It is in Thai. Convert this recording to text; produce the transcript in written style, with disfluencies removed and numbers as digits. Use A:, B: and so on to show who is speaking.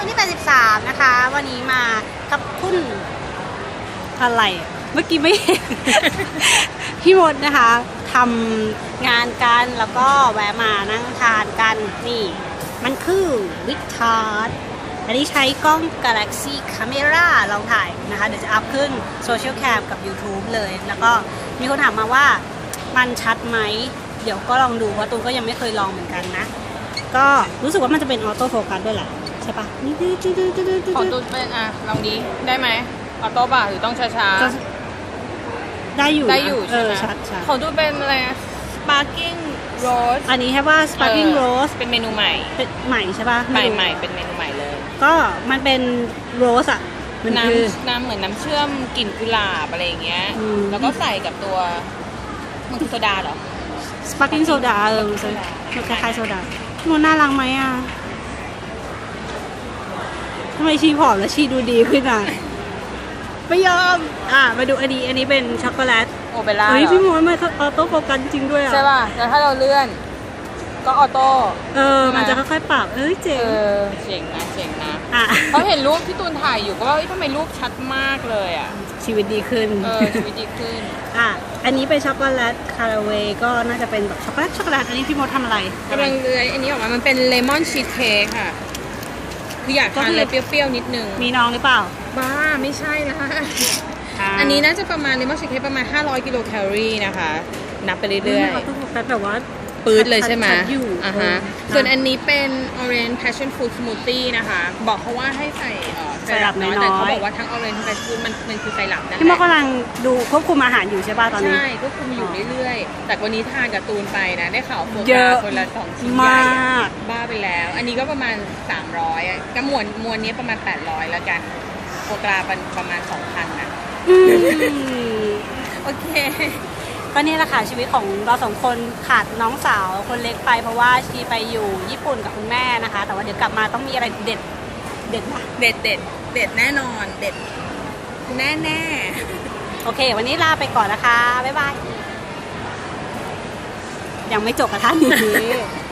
A: นที่83นะคะวันนี้มากับคุณอะไรเมื่อกี้ไม่เห็น พี่มดนะคะทำงานกันแล้วก็แวะมานั่งทานกันนี่มันคือวิกทาร์ดอันนี้ใช้กล้อง Galaxy Camera ลองถ่ายนะคะเดี๋ยวจะอัพขึ้น Social Cam กับ YouTube เลยแล้วก็มีคนถามมาว่ามันชัดไหมเดี๋ยวก็ลองดูเพราะตูนก็ยังไม่เคยลองเหมือนกันนะก็รู้สึกว่ามันจะเป็นออโต้โฟกัสด้วยแหละใช่ปะ
B: ของตูนเป็นลองนี้ได้ไหมออโต้ป่ะหรือต้องช้าๆ
A: ได้อยู่
B: ได้อยู่ใช่ไหม
A: ชัด
B: ของตูนเป็นอะไร Sparkling Rose
A: อันนี้ใช่ป่ะ Sparkling Rose
B: เป็นเมนูใหม่
A: เป็นใหม่ใช่ป่ะ
B: ใหม่เป็นเมนูใหม่เลย
A: ก็มันเป็นโรสอ่ะมันคือ
B: น้ำเหมือนน้ำเชื่อมกลิ่นกุหลาบอะไรอย่างเงี้ยแล้วก็ใส่กับตัวมันคือโซดาเหรอ
A: Sparkling Soda มันคล้ายๆโซดามันน่ารักไหมอ่ะทำไมชีผอมแล้วชีดูดีขึ้นอ่ะไม่ยอมมาดูอันนี้เป็นช็อกโกแลต
B: โอเปร่า
A: เฮ้ยพี่มดมันออโต้โฟกัสจริงด้วยอ่ะ
B: ใช่ป่ะแล้วถ้าเราเลื่อนก็ออโต้
A: มันจะค่อยๆปรับเจ๋ง
B: เจ๋งนะเขาเห็นรูปที่ตูนถ่ายอยู่ก็ว่าทำไมรูปชัดมากเลยอ่ะ
A: ชีวิตดีขึ้น
B: ชีวิตดีขึ้น
A: อันนี้เป็นช็อกโกแลตคาราเวย์ก็น่าจะเป็นแบบช็อกโกแลตอันนี้พี่มดทำอะไร
B: กำลังเลื้อยอันนี้ออกมามันเป็นเลมอนชีสเค้กค่ะคืออยากทานอะไรเปรี้ยวๆนิดนึง
A: มีน้องหรือเปล่า
B: บ้าไม่ใช่นะอันนี้น่าจะประมาณเลมอนชีสเค้กประมาณ500 กิโลแคลอรี่นะคะนับไปเรื่อย
A: ๆแบบว่า
B: ปื๊ดเลยใช่ไหมส่วนอันนี้เป็น Orange Passion Fruit Smoothie นะคะบอกเขาว่าให้ใส่ไซรัปน้อยแต่เขาบอกว่าทั้ง Orange Passion Fruit มันคือไซรัปนั่นแหละ
A: พี่มดกำลังดูควบคุมอาหารอยู่ใช่ป่ะตอนนี้
B: ใช่ควบคุมอยู่เรื่อยๆแต่วันนี้ทานกับตูนไปนะได้ข่าวโฟกัสคนละ2 ชิ้นใหญ่บ้าไปแล้วอันนี้ก็ประมาณ300ก็มวลนี้ประมาณ800แล้วกันโฟกัสประมาณ 2,000 นะ
A: โอเคก็นี่แหละค่ะชีวิตของเราสองคนขาดน้องสาวคนเล็กไปเพราะว่าชีไปอยู่ญี่ปุ่นกับคุณแม่นะคะแต่ว่าเดี๋ยวกลับมาต้องมีอะไรเด็ดนะ
B: เด็ดแน่นอนเด็ดแน่
A: โอเควันนี้ลาไปก่อนนะคะบ๊ายบายยังไม่จบกับท่านนี้